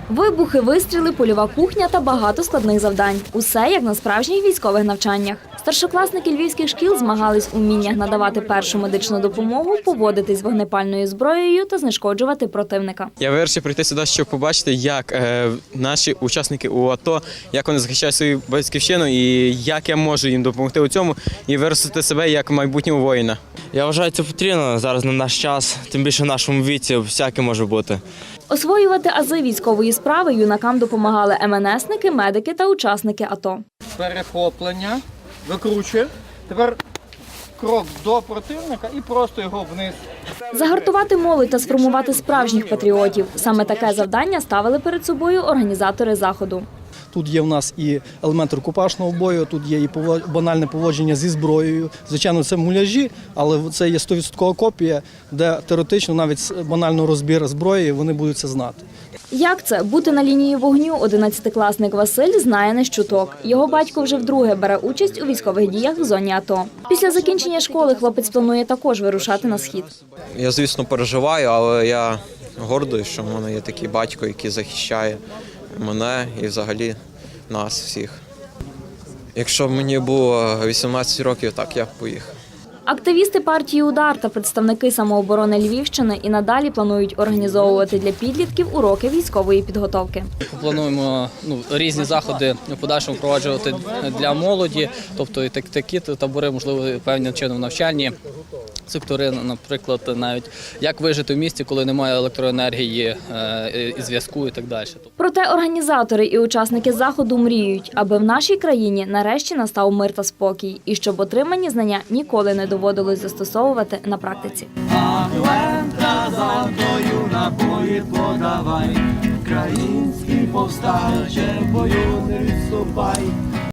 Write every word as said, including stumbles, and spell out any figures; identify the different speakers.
Speaker 1: Вибухи, вистріли, польова кухня та багато складних завдань. Усе як на справжніх військових навчаннях. Старшокласники львівських шкіл змагались у вміннях надавати першу медичну допомогу, поводитись з вогнепальною зброєю та знешкоджувати противника.
Speaker 2: Я вирішив прийти сюди, щоб побачити, як е, наші учасники у АТО, як вони захищають свою батьківщину і як я можу їм допомогти у цьому і виростити себе як майбутнього воїна.
Speaker 3: Я вважаю, це потрібно зараз на наш час, тим більше в нашому віці всяке може бути.
Speaker 1: Освоювати ази військової справи юнакам допомагали ем ен есники, медики та учасники АТО.
Speaker 4: Перехоплення, викручує. Тепер крок до противника і просто його вниз.
Speaker 1: Загартувати молодь та сформувати справжніх патріотів. Саме таке завдання ставили перед собою організатори заходу.
Speaker 5: Тут є в нас і елемент рукопашного бою, тут є і банальне поводження зі зброєю. Звичайно, це муляжі, але це є сто відсоткова копія, де теоретично навіть банально розбір зброї вони будуть це знати.
Speaker 1: Як це? Бути на лінії вогню одинадцятикласник Василь знає не з чуток. Його батько вже вдруге бере участь у військових діях в зоні АТО. Після закінчення школи хлопець планує також вирушати на схід.
Speaker 2: Я, звісно, переживаю, але я гордий, що в мене є такий батько, який захищає мене і взагалі нас всіх. Якщо б мені було вісімнадцять років, так я б поїхав.
Speaker 1: Активісти партії «Удар» та представники самооборони Львівщини і надалі планують організовувати для підлітків уроки військової підготовки.
Speaker 6: Плануємо ну, різні заходи в подальшому впроваджувати для молоді, тобто і так, такі табори, можливо, певним чином навчальні сектори, наприклад, навіть як вижити в місті, коли немає електроенергії, і зв'язку і так далі.
Speaker 1: Проте організатори і учасники заходу мріють, аби в нашій країні нарешті настав мир та спокій, і щоб отримані знання ніколи не доводилось застосовувати на практиці.
Speaker 7: Український повстанче, бою не відступай.